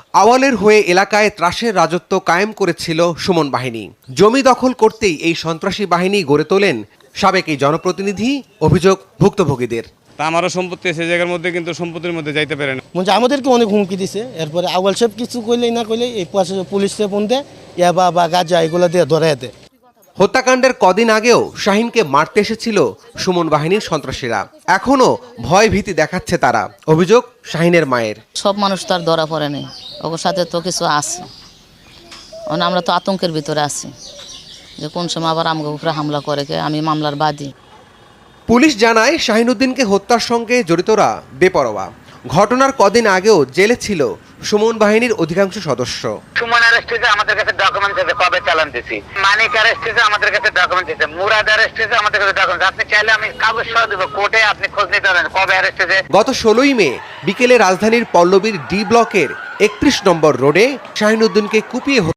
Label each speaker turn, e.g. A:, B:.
A: আওয়ালের হয়ে এলাকায় ত্রাসের রাজত্ব কায়েম করেছিল সুমন বাহিনী। জমি দখল করতেই এই সন্ত্রাসী বাহিনী গড়ে তোলেন সাবেক এই জনপ্রতিনিধি। অভিযোগ ভুক্তভোগীদের।
B: তা আমারও সম্পত্তি আছে জায়গার মধ্যে, কিন্তু সম্পত্তির মধ্যে যাইতে পারে না।
C: মানে আমাদেরকে অনেক হুমকি দিছে। এরপরে আওয়াল সাহেব কিছু কইলেই না কইলে এই পাশে পুলিশে ফোন দেয়, ইয়াবা বা গাঁজা এগুলো দিয়ে ধরে দেয়।
A: হত্যাকাণ্ডের কদিন আগেও শাহিনকে মারতে এসেছিল সুমন বাহিনীর সন্ত্রাসীরা। এখনও ভয় ভীতি দেখাচ্ছে তারা। অভিযোগ শাহিনের মায়ের।
D: সব মানুষ তো আর ধরা পড়েনি, ওর সাথে তো কিছু আছে। আমরা তো আতঙ্কের ভিতরে আছি যে কোন সময় আবার আমাকে উপরে হামলা করে। আমি মামলার বাদী।
A: পুলিশ জানায় শাহিনুদ্দিনকে হত্যার সঙ্গে জড়িতরা বেপরোয়া। ঘটনার কদিন আগেও জেলে ছিল সুমন বাহিনীর অধিকাংশ সদস্য।
E: সুমন অ্যারেস্ট হয়েছে, আমাদের কাছে ডকুমেন্টস আছে, কবে চালান দিছি। মানিক অ্যারেস্ট হয়েছে, আমাদের কাছে ডকুমেন্টস আছে। মুরাদ অ্যারেস্ট হয়েছে, আমাদের কাছে ডকুমেন্টস। আপনি চাইলে আমি কাগজ সহ দেবো কোর্টে, আপনি খোঁজ নিতে পারেন কবে অ্যারেস্ট হয়েছে।
A: গত 16ই মে বিকেলে রাজধানীর পল্লবীর ডি ব্লকের 31 নম্বর রোডে শাহিনুদ্দিনকে কুপিয়ে